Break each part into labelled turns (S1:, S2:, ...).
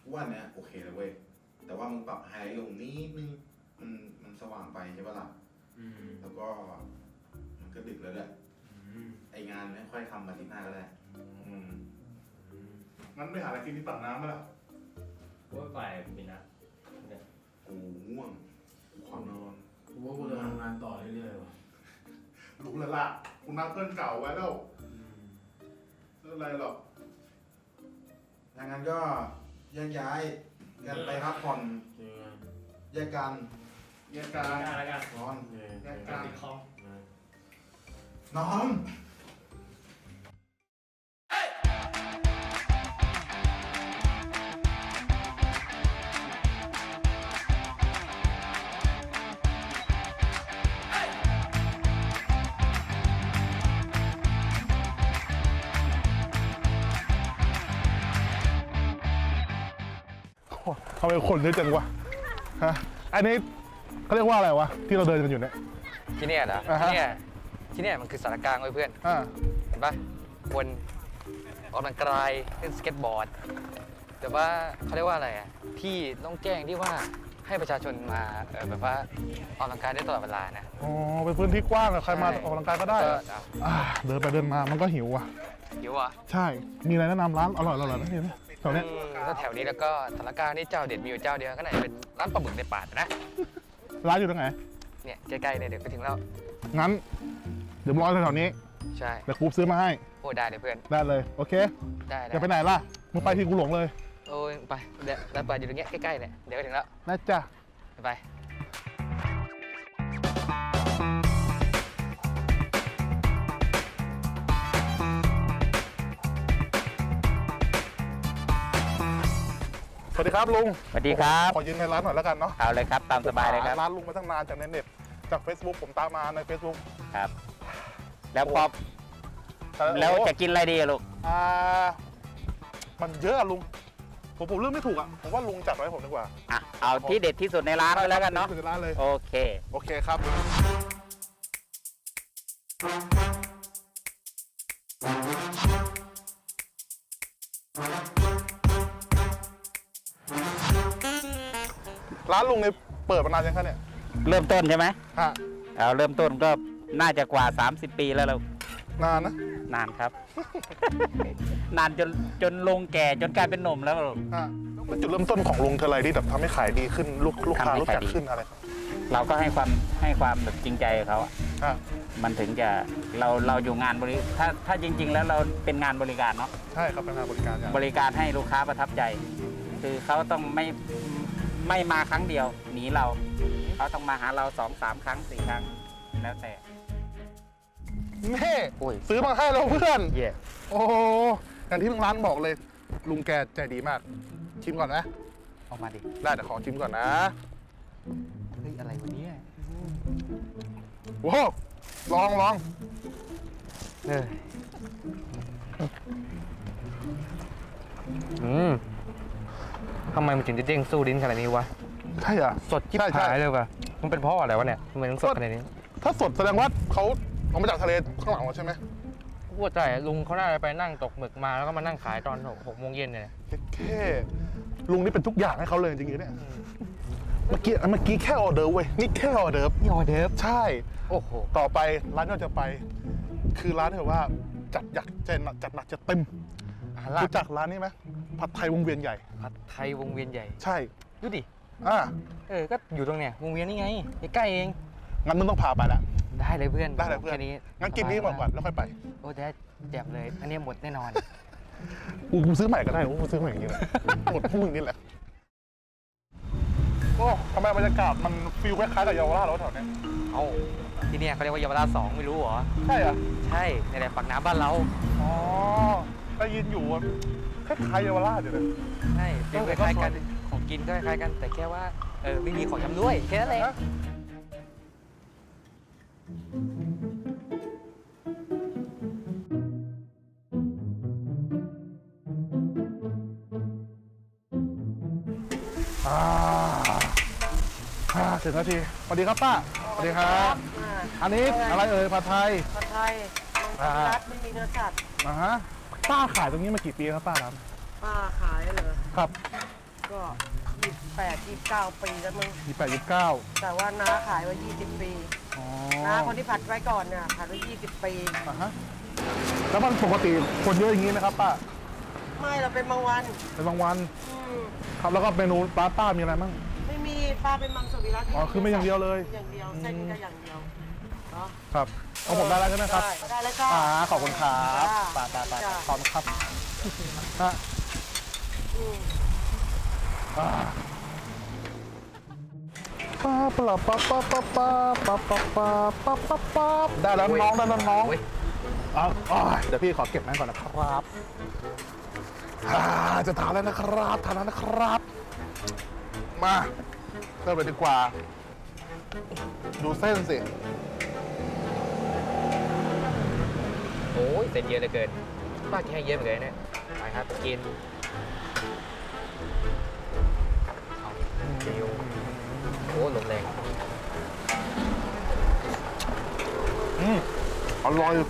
S1: ว่าเนี้ยโอเคเลยเว้ยแต่ว่ามึงปรับไฮไลท์ลงนิดนึงมันสว่างไปใช่ปะล่ะแล้วก็มันก็ดึกแล้วด้วยไองานไม่ค่อยทำมาทีหน้าก็ได้
S2: งั้นไปหาอะไรกินที่ปากน้ำมาล่ะ
S3: ว่าไปมีนะ
S1: กูง่วงกูขอนอน
S4: กูว่ากูจะทำงานต่อเรื่อยๆว่ะ
S2: รู้แล้วล่ะกูนัดเพื่อนเก่าไว้แล้วไม่เป็นไรหรอก
S1: ดังนั้นก็แยกย้ายกันไปพักผ่อนแยกกัน
S3: แล้วกัน
S1: นอน
S2: แยกกัน
S3: ติดคอม
S1: นอน
S2: ทำไมคนเยอะจังวะฮะอันนี้เขาเรียกว่าอะไรวะที่เราเดินกันอยู่เนี่ย
S5: ที่เนี่ยเหรอที่เนี่ยมันคือสารกลางไว้เพื่อนเห็นปะคนออกกำลังกายเล่นสเก็ตบอร์ดแต่ว่าเขาเรียกว่าอะไรอ่ะที่ต้องแจ้งที่ว่าให้ประชาชนมาแบบว่าออกกำลังกายได้ตลอดเวลานะ
S2: อ๋อเป็นพื้นที่กว้างใครมาออกกำลังกายก็ได้เดินไปเดินมามันก็หิวอ่ะ
S5: หิวอ่ะ
S2: ใช่มีอะไรแนะนำร้านอร่อยๆนะเนี่ยแถวเนี้ย
S5: ถ้าแถวนี้แล้วก็สารกลางนี่เจ้าเด็ดมีอยู่เจ้าเดียวก็น่าจะเป็นร้านปลาหมึกในป่านะ
S2: ร้านอยู่ตรงไหน
S5: เนี่ยใกล้ๆเนี่ยเดี๋ยวไปถึงแล้ว
S2: งั้นเดี๋ยวรอแถวนี้
S5: ใช่
S2: เดี๋ยวกูซื้อมาให้
S5: โอ้ได้เลยเพื่อน
S2: ได้เลยโอเค
S5: ได้
S2: จะไปไหนล่ะมึงไปที่กูหลงเลย
S5: โอ้ยไปเดี๋ยวร้านปลาอยู่ตรงเนี้ยใกล้ๆเนี่ยเดี๋ยวไปถึงแล้ว
S2: น่าจะ
S5: ไป
S2: สวัสดีครับลุง
S5: สวัสดีครับ
S2: ขอยืนในร้านหน่อยแล้วกันเนาะ
S5: เอาเลยครับตามสบายเลยครับ
S2: ร้านลุงมาตั้งนานจากในเน็ตจาก Facebook ผมตามมาใน Facebook
S5: ครับแล้วพอแล้วจะกินอะไรดีอะลูก
S2: มันเยอะอะลุงผมเลือกไม่ถูกอะผมว่าลุงจัดไว้ผมดีกว่า
S5: เอาที่เด็ดที่สุดในร้านไปแล้วกันเนาะ
S2: ร้านเลย
S5: โอเค
S2: ครับร้านลุงเนี่ยเปิดมานานยังคะเนี่ย
S5: เริ่มต้นใช่ไหม
S2: เอา
S5: เริ่มต้นก็น่าจะกว่า30 ปีแล้วเรา
S2: นานนะ
S5: นานครับ นานจนลงแก่จนกลายเป็นหนุ่มแล้ว
S2: แล้วจุดเริ่มต้นของลุงเธออะไรที่แบบทำให้ขายดีขึ้นลูกค้ารู้จักขึ้นอะไร
S5: เราก็ให้ความแบบจริงใจกับเขามันถึงจะเราอยู่งานถ้าจริงๆแล้วเราเป็นงานบริการเนาะ
S2: ใช่ครับเป็นงานบริ
S5: การให้ลูกค้าประทับใจคือเขาต้องไม่มาครั้งเดียวหนีเราเขาต้องมาหาเรา2-3 ครั้ง4 ครั้งแล้วแต่
S2: แม่ซื้อมาให้เราเพื่อนโอ้อย่างที่ร้านบอกเลยลุงแกใจดีมากชิมก่อนนะ
S5: เอามาดิ
S2: ได้แต่ขอชิมก่อนนะ
S5: เฮ้ยอะไรวะเนี่ย
S2: ว้าวลอง
S3: ทำไมมันถึงจะเด้งสู้ดิ้นขนาดนี้วะ
S2: ใช่อ่ะ
S3: สดจิ๊บหายเลยว่ะมันเป็นเพราะอะไรวะเนี่ยทำไมต้องสดขนาดนี้
S2: ถ้าสดแสดงว่าเขาเอามาจากทะเลข้างหลังเราใช่ไหม
S3: พูดใจลุงเขาน่าจะไปนั่งตกหมึกมาแล้วก็มานั่งขายตอน6 โมงเย็นเนี่ย
S2: แค่ลุงนี่เป็นทุกอย่างให้เขาเลยจริงๆเนี่ยเมื่อกี้แค่ออเดอร์เว้ยนี่แค่ออเดอร์ใช่
S3: โอ้โห
S2: ต่อไปร้านที่เราจะไปคือร้านที่แบบว่าจัดหนักจัดเต็มรู้จักร้านนี้ไหมผัดไทยวงเวียนใหญ่
S3: ผัดไทยวงเวียนใหญ่
S2: ใช่
S3: ดูดิ
S2: ก็
S3: อยู่ตรงเนี้ยวงเวียนนี่ไงใกล้เอง
S2: งั้นมึงต้องพาไปแล้ว
S3: ได้เลยเพื่อน
S2: แค่นี้งั้นกินนี้ก่อนแล้วค่อยไป
S3: โอ้ได้แจ่มเลยอันนี้หมดแน่นอน
S2: กูซื้อใหม่ก็ได้กูซื้อใหม่อย่างนี้แหละหมดพวกมึงนี่แหละโอ้ทำไมบรรยากาศมันฟีลคล้ายๆกับเยาวราชแล้วแถวนี้
S5: ที่นี่เขาเรียกว่าเยาวราช2ไม่รู้เหรอ
S2: ใช่เหรอ
S5: ใช่ในแหล่งปากน้ำบ้านเรา
S2: ได้ยินอยู่คล้ายๆเยาวราชอยู่เลย
S5: ใช่เป็นคล้ายกันของกินก็คล้ายกันแต่แค่ว่าไม่มีของทำด้วยแค่นั้นเอง
S2: 10 นาทีสวัสดีครับป้าสวัสดีครับอันนี้อะไรผัดไทย
S6: รัดไม่มีเนื้อสัตว์
S2: ป้าขายตรงนี้มากี่ปีครับป้าครับ
S6: ป้าขายเหรอ
S2: ครับ
S6: ก็28-29 ปีแล้วมึง
S2: 28 29
S6: แต่ว่าน้าขายมา20 ปี
S2: อ๋อ
S6: น้าคนที่ผัดไว้ก่อนเนี่ยผัดไว้20 ปี
S2: อ่าฮะแล้วมันปกติคนเยอะอย่างนี้ไหมครับป้า
S6: ไม่เราเป็นบางวัน
S2: เป็นบางวัน
S6: อืม
S2: ครับแล้วก็เมนูป้ามีอะไรบ้าง
S6: ไม่มีป้าเป็นมังสวิรัติ
S2: อ๋อคือไม่อย่างเดียวเลย
S6: อย่างเดียวเส้นก็อย่างเดียวเนาะ
S2: ครับเอาผมได้แล้วใช่ไหมครับ
S6: ได้เลยค่ะ
S2: ขอบคุณครับ
S6: จ้า
S2: ป้า
S6: จ้า
S2: ขอบคุณครับฮะ
S6: อืม
S2: ป้าปลาป้าป้าป้าป้าป้าป้าป้าป้าป้าป้าได้แล้วน้องได้แล้วน้อง
S5: โอ้ย
S2: เดี๋ยวพี่ขอเก็บนั่นก่อนนะครับจะทานแล้วนะครับทานแล้วนะครับ มาเริ่มเลยดีกว่า ดูเส้นสิ
S5: โอ้ยเส้นเยอะเหลือเกินป้ากินให้เยอะเหมือนกันเนี่ยไปครับกินเอาเดียวโอ้ลมแรง
S2: อร่อย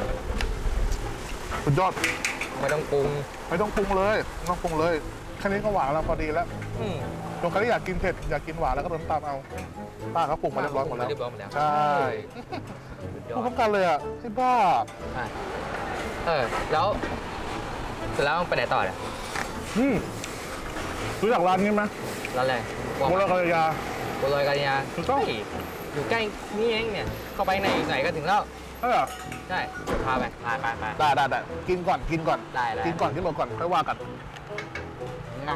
S2: สุดยอด
S5: ไม่ต้องปรุง
S2: ไม่ต้องปรุงเลยไม่ต้องปรุงเลยแค่นี้ก็หวานแล้วพอดีแล้ว
S5: อืม
S2: ตรงใครที่อยากกินเผ็ดอยากกินหวานแล้วก็เติมน้ำตาลเอาป้าเขาปรุงมาเรียบร้อยหมดแล้ว
S5: เรียบร้อยหมดแล้ว
S2: ใช่
S5: สุดย
S2: พู
S5: อ
S2: ด
S5: ด
S2: พร้อมกันเลยอ่ะที่บ้า
S5: อ่ะแล้วเสร็จแล้วไปไหนต่อเนี่ย
S2: รู้จักร้านนี้ไหม
S5: ร้านอะไร
S2: โมลากรยา
S5: บัวลอยกาญญา
S2: ถูกต้อง
S5: เฮ้ยอยู่ใกล้นี่เองเนี่ยเข้าไปในอีกหน่อยก็ถึงแล้ว
S2: ใช่เหรอ
S5: ใช่พาไปไป
S2: ได้กินก่อนกินก่อน
S5: ได้
S2: กินก่อนกินหมดก่อนค่อยว่ากัน
S5: นะ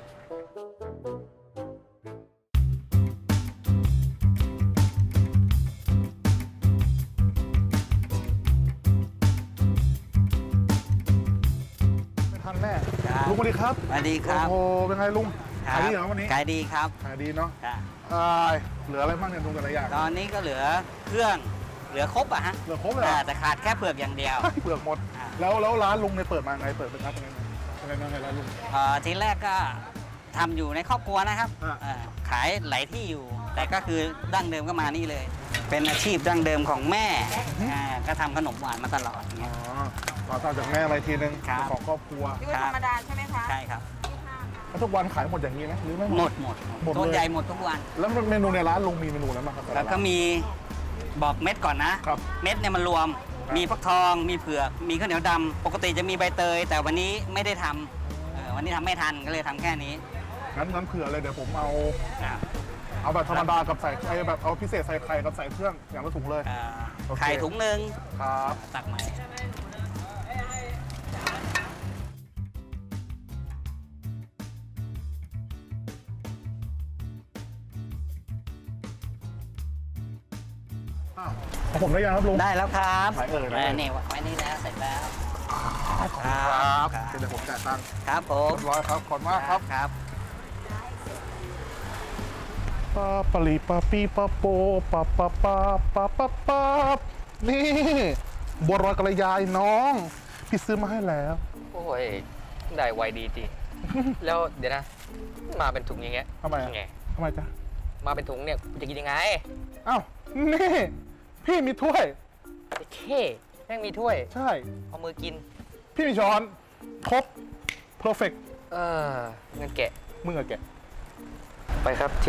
S2: ไม่ทันแน่
S7: ครับ
S2: ลุงสวัสดีครับ
S7: สวัสดีครับ
S2: โอ้โหเป็นไงลุง
S7: ครั
S2: ขาย
S7: บ
S2: ดีเหรอวันนี้
S7: ขายดีครับ
S2: ขายดีเนาะ
S7: ครับ
S2: เหลืออะไรบ้างเนี่ยลุงแต่ละอย่าง
S7: ตอนนี้ก็เหลือเครื่องเหลือครบอะฮะ
S2: เหลือครบเลยเหรอ
S7: แต่ขาดแค่เปลือกอย่างเดียว
S2: เปลือกหมด
S7: อ่า
S2: แล้วร้านลุงเนี่ยเปิดมาไงเปิดเป็นร้านยังไงร้านลุง
S7: ทีแรกก็ทำอยู่ในครอบครัวนะครับ
S2: อ่า
S7: ขายหลายที่อยู่ แต่ก็คือดั้งเดิมก็มานี่เลย เป็นอาชีพดั้งเดิมของแม่ก็ทำขนมหวานมาตลอดอย่าง
S2: อ๋
S7: เงี้
S2: อย ต่อจากแม่มาอีกทีนึง
S7: ครับ
S2: ของครอบครัว
S6: ที่ว่าธรรมดาใช่ไหมคะ
S7: ใช่ครับ
S2: แล้วทุกวันขายหมดอย่างนี้ไหมหรือไม่
S7: หมด
S2: หมด
S7: ต้น
S2: เลย
S7: ใหญ่หมดทุกวัน
S2: แล้วเมนูในร้านลุงมีเมนูอะไรบ้างครับ
S7: แล้วก็มีบอกเม็ดก่อนนะ
S2: ครับ
S7: เม็ดเนี่ยมันรวม
S2: ครับ
S7: มีฟักทอง มีเผือก มีข้าวเหนียวดำ ปกติจะมีใบเตย แต่วันนี้ไม่ได้ทำวันนี้ทำไม่ทันก็เลยทำแค่นี้
S2: งั้นเผื่อเลยเดี๋ยวผมเอา
S7: อ่า
S2: เอาแบบธรรมดากับใส่ไอ้แบบเอาพิเศษใส่ไข่กับใส่เครื่องอย่างละถุงเลย โอเค
S7: ไข่ถุงหนึ่ง
S2: ครับ
S7: ตักใหม่
S2: ของผมได้ยังครับลุง
S7: ได้แล้วครับ
S2: ไหนเอ่ยไหนเอ่ย
S7: นี่ไว้นี่แล้วเสร็จแล้ว
S2: ครับเดี๋ยวผมจ่ายตังค์
S7: ครับผม
S2: เรียบร้อยครับ ขอบคุณมากครับ
S7: ครับ
S2: ปาปลีปาปีปาโปปาปาปาปาปาปานี่บัวรอยกระยายน้อง พี่ซื้อมาให้แล้ว
S5: โอ้ยได้ไวดีจริง แล้วเดี๋ยวนะ มาเป็นถุงอย่างเงี้ย
S2: ทำไมอะ
S5: ไง
S2: ทำไมจ๊ะ
S5: มาเป็นถุงเนี่ยกูจะกินยังไง
S2: อ้าว นี่ พี่มีถ้วย
S5: ไอ้เข้แม่งมีถ้วย
S2: ใช่
S5: เอามือกิน
S2: พี่มีช้อน ครบ เพอร์เฟก
S5: งั้นแกะ
S2: มึงอะแกะ
S5: ไปครับเท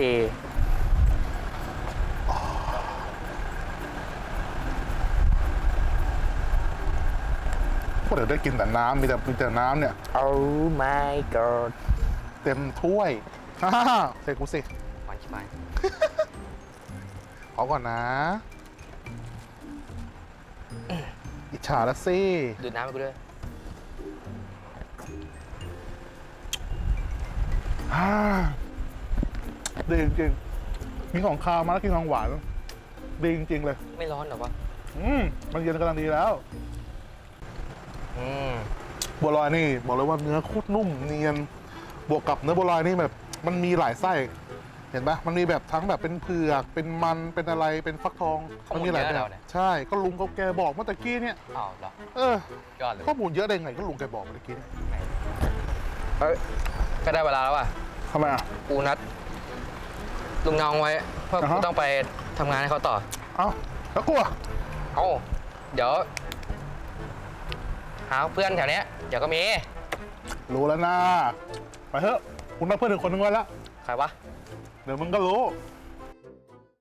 S2: พวกเดี๋ยวได้กินแต่น้ำมีแต่น้ำเนี่ย
S5: Oh my god
S2: เต็มถ้วยฮ่าเสกกูสิ
S5: หวานชิบหาย
S2: เอาก่อนนะ อิจฉาละสิ
S5: ดูดน้ำให้กูด้วย
S2: อ่าดีจริงๆมีของคาวมาแล้วกินของหวานดีจริงๆเลย
S5: ไม่ร้อนเหรอวะ
S2: มันเย็นกำลังดีแล้ว
S5: อืม
S2: บัวลอยนี่บอกเลยว่าเนื้อโคตรนุ่มเนียนบวกกับเนื้อบัวลอยนี่แบบมันมีหลายไส้ เห็นปะมันมีแบบทั้งแบบเป็นเผือกเป็นมันเป็นอะไรเป็นฟักทองมัมีหลายแบบใช่ก็ลุงเขาแกบอกเมื่อตะกี้เนี่ย
S5: อ้าวเหรอ
S2: เออย
S5: อดเลย
S2: ข้อมูลเยอะได้ไงก็ลุงแกบอกเมื่อตะกี้เนี่ย
S5: เฮ้ยก็ได้เวลาแล้วอ่ะ
S2: ทำไมอ่ะ
S5: กูนัดลุงน้องไว้เพราะ
S2: อ่าฮะ
S5: กูต้องไปทำงานให้เขาต่อ
S2: เอ้าแล้วกลัว
S5: เอ้าเดี๋ยว หาเพื่อนแถวเนี้ยเดี๋ยวก็มี
S2: รู้แล้วนะไปเถอะคุณนัดเพื่อนอีกคนนึงไว้แล้ว
S5: ใครวะ
S2: เดี๋ยวมึงก็รู้